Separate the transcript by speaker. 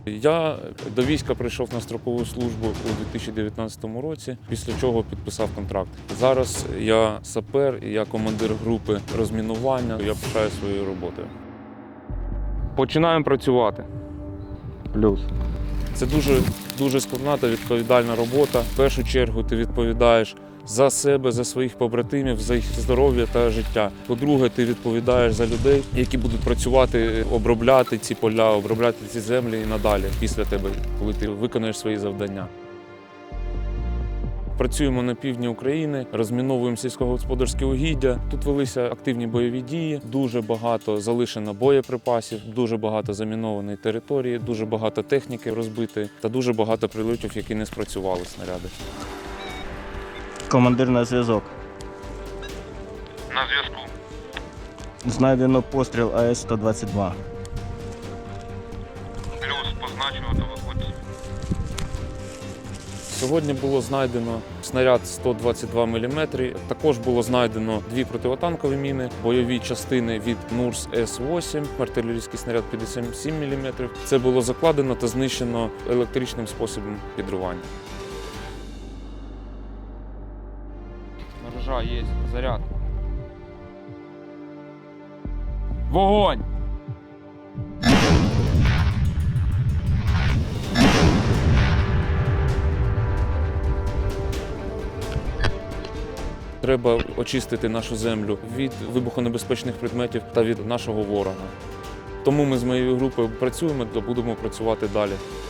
Speaker 1: Я до війська прийшов на строкову службу у 2019 році, після чого підписав контракт. Зараз я сапер, я командир групи розмінування, я пишаю своєю роботою. Починаємо працювати.
Speaker 2: Плюс.
Speaker 1: Це дуже складна та відповідальна робота. В першу чергу ти відповідаєш за себе, за своїх побратимів, за їх здоров'я та життя. По-друге, ти відповідаєш за людей, які будуть працювати, обробляти ці поля, обробляти ці землі і надалі після тебе, коли ти виконаєш свої завдання. Працюємо на півдні України, розміновуємо сільськогосподарські угіддя. Тут велися активні бойові дії, дуже багато залишено боєприпасів, дуже багато замінованої території, дуже багато техніки розбитої та дуже багато прильотів, які не спрацювали снаряди.
Speaker 2: Командир на зв'язок.
Speaker 1: На зв'язку.
Speaker 2: Знайдено постріл АС-122.
Speaker 1: Плюс позначувати виходить. Сьогодні було знайдено снаряд 122 мм. Також було знайдено 2 противотанкові міни, бойові частини від НУРС С-8, артилерійський снаряд 57 мм. Це було закладено та знищено електричним способом підривання. Снаряжа є, заряд. Вогонь! Треба очистити нашу землю від вибухонебезпечних предметів та від нашого ворога. Тому ми з моєю групою працюємо та будемо працювати далі.